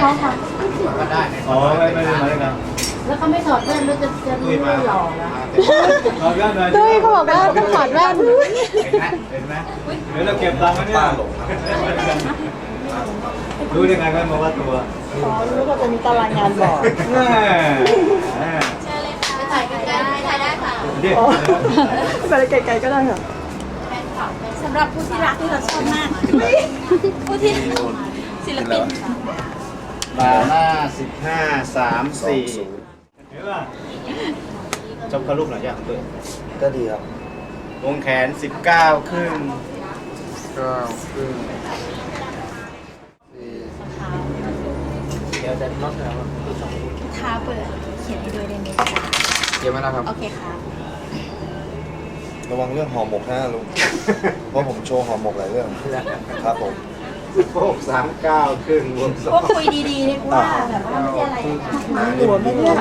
องค่ะก็ได้อ๋อไม่ได้มาด้วยกันแล้วเขาไม่ถอดแว่นแล้วจะไม่หล่อแล้วเอาแว่นหน่อยตุ้ยเขาบอกว่าต้องถอดแว่นเห็นไหมเห็นไหมเดี๋ยวเราเก็บตังค์ไว้เนี่ยรู้ได้ไงกันมาว่าตัวอ๋อรู้ว่าจะมีตารางงานบอกแม่ไปถ่ายกันได้ถ่ายได้ค่ะดิอ๋อไปไกลๆก็ได้ค่ะสำหรับผู้ที่รักที่เราชอบมาก ผู้ที่ศิลปินบาหน้า15 34 เห็นป่ะจบกระลูกหน่อยอย่างเปิดก็ดีครับวงแขน19 ครึ่งก็คือเดี๋ยวจะน็อตแล้วท้าเปิดเขียนให้ด้วยได้ไหมเกี่ยวไหมล่ะครับโอเคค่ะระวังเรื่องห่อหมกนะลุง เพราะผมโชว์ห่อหมกหลายเรื่องครับผมโป๊ก39 ครึ่งวงก็คุยดีๆดีกว่าแบบว่าไม่ใช่อะไรนะหัวไม่เนี่ย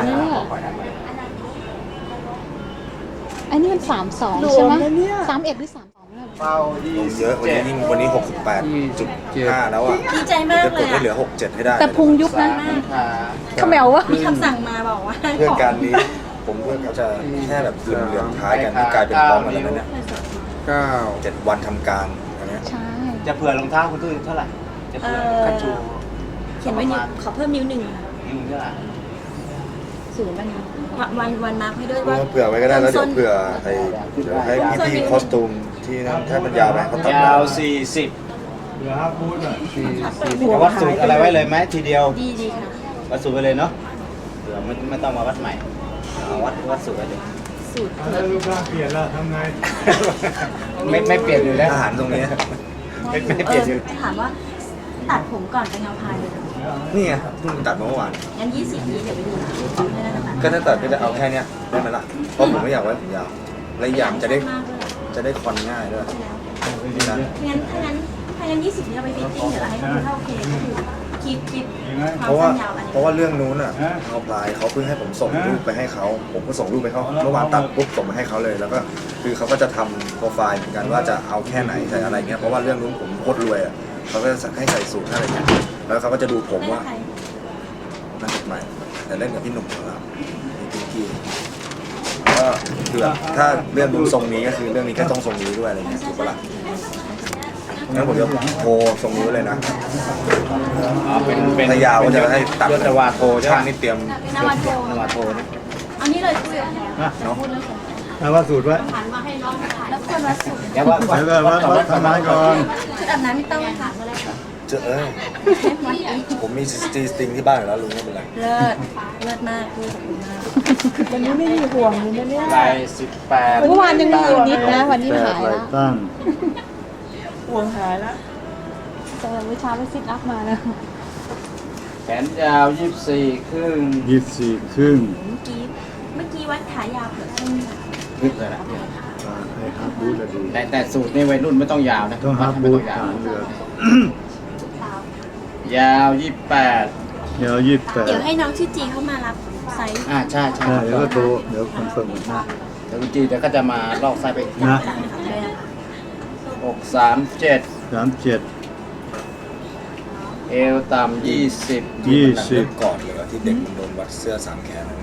อันนี้มัน32ใช่ไหม31หรือ32เนี่ยเป้าลงเยอะวันนี้วันนี้ 68.5 แล้วอ่ะดีใจมากจะเลกดยให้เหลืออะ 67 ให้ได้แต่พุงยุบนะขาเขมววะมีคำสั่งมาบอกว่าเพื่อนการนี้ผมเพื่อนเขาจะแค่แบบเหลื่อมๆท้ายกันที่กลายเป็นพร้อมกันแล้วเนี่ย7 วันทำการอันเนี้ยใช่จะเผื่อรองเท้าคุณตุ้ยเท่าไหร่ จะเผื่อคันชูเขียนไว้นิ้วขอเพิ่มนิ้วหนึ่งนิ้วเท่าไหร่ศูนย์วันมาร์คให้ด้วยเพื่ว่าอเผื่อไว้ก็ได้แล้วเดี๋ยวเผื่อเดี๋ยวให้พี่ๆคอสตูมที่นั่นถ้ามันยาวไปเขาตัดยาว 40 เหลือ5ฟู้ดอ่ะจะวัดสูตรอะไรไว้เลยไหมทีเดียวดีค่ะวัดสูตรไปเลยเนาะเผื่อไม่ต้องมาวัดใหม่เอาวัดสูตรไปเลยสูตรแล้วรูปร่างเปลี่ยนแล้วทำไงไม่เปลี่ยนอยู่แล้วอาหารตรงนี้ไม่เปลี่ยนอยู่ถามว่าตัดผมก่อนไปเงาพายเลยนี่ไงเพิ่งตัดมาเมื่อวานงั้น20นี้เดี๋ยวไปดูขอให้ได้นะคะก็ถ้าตัดก็จะเอาแค่เนี้ยได้ไหมล่ะ เพราะผมไม่อยากไว้ผมยาว และอีกอย่างจะได้มากเลยจะได้คอนง่ายด้วยนะงั้น20นี้เราไปฟิตติ้งเดี๋ยวเราให้คุณเข้าโอเคก็คือคลิปควาเพมราะว่าสั้นยาวอันนี้เพราะว่าเรื่องนู้นอ่ะเอาพลายเขาเพิ่งให้ผมส่งรูปไปให้เขาผมก็ส่งรูปไปเขาเมื่อวานตัดปุ๊บส่งไปให้เขาเลย แล้วก็คือเขาก็จะทำโปรไฟล์เหมือนกันว่าจะเอาแค่ไหนใส่อะไรเงี้ยเพราะว่าเรื่องนู้นผมโคตรรวยอ่ะเขาก็จะสั่งให้ใส่สูทอะไรเงี้ยแล้วเขาก็จะดูผมว่าใครนั่นใหม่แต่เล่นกับพี่หนุ่มของเราพี่กิ๊กกี้ก็คือแบบถ้าเรื่องนู้นทรงนี้ก็คือเรื่องนี้ก็ต้องทรงนี้ด้วยอะไรเงี้ยถูกปะล่ะงั้นผมจะโทรทรงนี้ไว้เลยนะเป็นถ้ายาวก็จะให้ตัดยศวาโทใช่ไหมช่างนี่เตรียมนวัตโทนวาโทนะอันนี้เลยคุยกับแพรเนาะเอาว่าสูตรไว้แล้วคนวัดสุดแล้วว่าแล้วก็วัดทำงานก่อนชุดอาบน้ำไม่ต้องค่ะเจอผมมีจีสติงที่บ้านอยู่แล้วลุงไม่เป็นไรเลิศมากคุยกับคุณมากวันนี้ไม่มีห่วงเลยนะเนี่ยลาย18 เมื่อวานยังมีอยู่นิดนะ วันนี้หายแล้วตั้งห่วงหายแล้วแต่เมื่อเช้าไปซิทอัพมานะแขนยาว24 ครึ่ง 24 ครึ่งเมื่อกี้วัดขายาวเผื่อเส้นลึกเลยนะให้ฮาร์ดบูทอะดีแต่สูตรนี่วัยรุ่นไม่ต้องยาวนะต้องฮาร์ดบูทฐานเรือยาว 28 ยาวเดี๋ยวให้น้องชื่อจีเข้ามารับไซส์ใช่ใช่ 28เดี๋ยวก็โทรเดี๋ยวคอนเฟิร์มกันนะเดี๋ยวจีเดี๋ยวก็จะมาลอกไส้ไปนะด้วยนะคะ 637 37 เอวต่ำ20 20 ก่อนเลยที่เด็กมันโดนวัดเสื้อ3แขนนั่น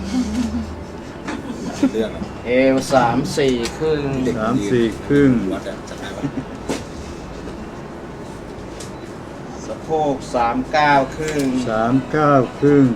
เรื่องอะเอว34 ครึ่ง 34 ครึ่งวัดอะจำได้ปะสะโพก39 ครึ่ง 39 ครึ่ง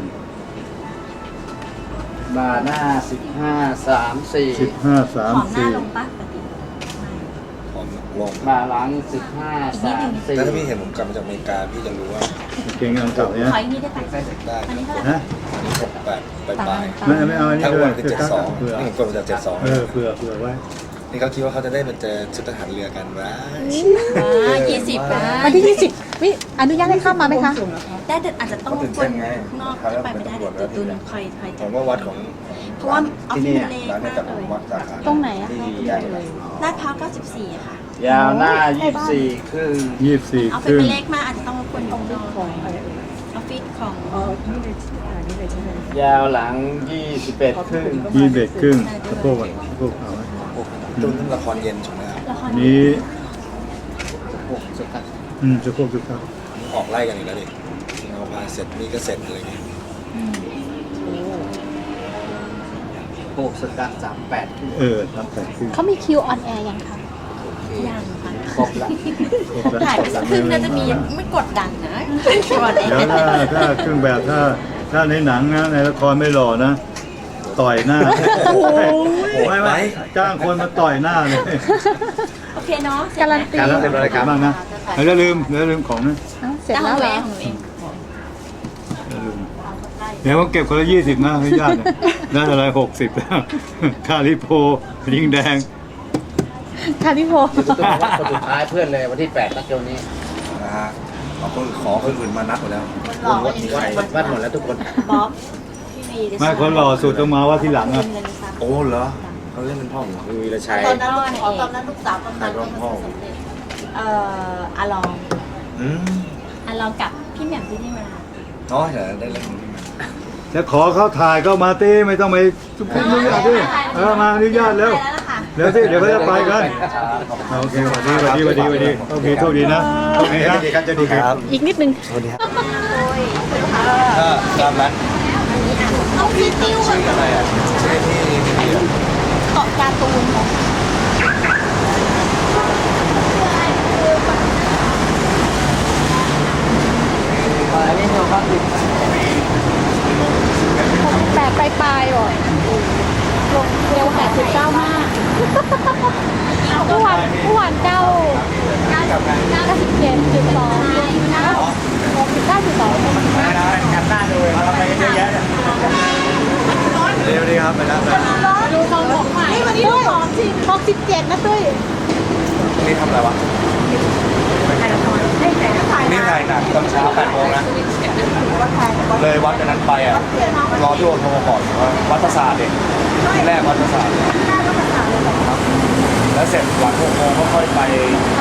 บ่าหน้า15 34 15 ผอมหน้าลง 34 ปะปกติผอมลงบ่าหลัง15 แต่ถ้าพี่ 34 เห็นผมกลับมาจากอเมริกาพี่จะรู้ว่าเก่งอันเก่าเนี่ยขออีกนิดได้ปะได้อันนี้เท่าไหร่ฮะ 68ปลายไม่เอาอันๆนี้ถ้าด้อ้ววย นคือเผื่อ 72นี่ผมกดมาจาก72 เผื่อไว้นี่เขาคิดว่าเขาจะได้มาเจอชุดทหารเรือกันวะ 20นะวันที่ 20วิอนุญาตให้เข้ามาไหมคะได้แต่อาจจะต้องรบกวนข้างนอกไปไม่ได้เดี๋ยวตุนคอยผมว่าวัดของเพราะว่าออฟฟิศมันเล็กร้านมานี้กกับเลยวัดสาขาตรงไหนอะที่ใหญ่เลยลาดพร้าว94ค่ะยาวหน้า 24 ครึ่งออฟ 24 คฟิศรึ่งมันเล็กมากอาจจะต้องรบกวนข้างนอกออฟฟิศของอ๋อนี่เลยนี่เลยใช่ไหมยาวหลัง 21 ครึ่ง 21 ครึ่งสะโพกอ่ะสะโพกเอาไหมจุนนั่นละครเย็นใช่ไหมครับละครนี้สะโพกสุดท้ายสะโพกสุดท้ายออกไล่กันอีกแล้วดิเอาพถ่ายเสร็จนี่ก็เสร็จเลยไงโอ้สกัด38 ทำแต่ครึ่งเขามีคิวออนแอร์ยังคะยังค่ะครบแล้วครบแล้วถ่ายไปสักครึ่งน่าจะมีไม่กดดันนะชวนเองเดี๋ยวถ้าเครื่องแบบถ้าในหนังนะในละครไม่หล่อนะ ต่อยหน้าไม่จ้างคนมาต่อยหน้าเลยโอเคเนาะการันตีการรับเป็นรายการบ้างนะอย่าลืมของนะเอ้าเสร็จจะแล้วทำเหรเอองของหนูเองอย่าลืมเดี๋ยวผมเก็บคนละ20นะให้ญาติเนี่ยได้อะไร60แล้วคาริโพลิงแดงค่ะพี่โพคนสุดท้ายเพื่อนเลยวันที่8นัดเดียวนี้นะฮะขอคนอื่นมานัดหมดแล้ววัดหมดแล้วทุกคนบ๊อบพี่วีไม่คนหล่อสุดต้องมาว่าที่หลังอ่ะโอ้เหรอเขาเล่นเป็นพ่อผมเหรอมีวีรชัยตอนนั้นตอนนั้นลูกสาวกำนันใครเป็นพ่ออาลองอืมอาลองกับพี่แหม่มที่นี่มาน้อยเหรอได้เล่นจะขอเขาถ่ายก็มาตีไม่ต้องไปทุกคนอนุญาตดิมาอนุญาตแล้วไปแล้วล่ะค่ะเดี๋ยวสิเดี๋ยวเขาจะไปกันโอเคสวัสดีโอเคโชคดีนะโอเคครับจะดีครับอีกนิดนึงสวัสดีครับก็รับแล้วเอาพี่ติ้วชื่ออะไรอ่ะชื่อที่นี่เกาะการ์ตูนของ 8ปลายๆบ่อยลงเร็ว89มากเมื่อวาน9 97.2 กันหน้าดูเลยทำอะไรเยอะแยะเร็วดีครับไปแล้วดูทองของใหม่วันนี้ดูของจริง67นะตุ้ยนี่ทำอะไรวะนี่ถ่ายหนังตอนเช้า8 โมงนะเลยวัดกันนั้นไปอ่ะรอที่โอโทรก่อนว่าวัดประสาทเองที่แรกวัดประสาทแล้วเสร็จหลัง6 โมงก็ค่อยไป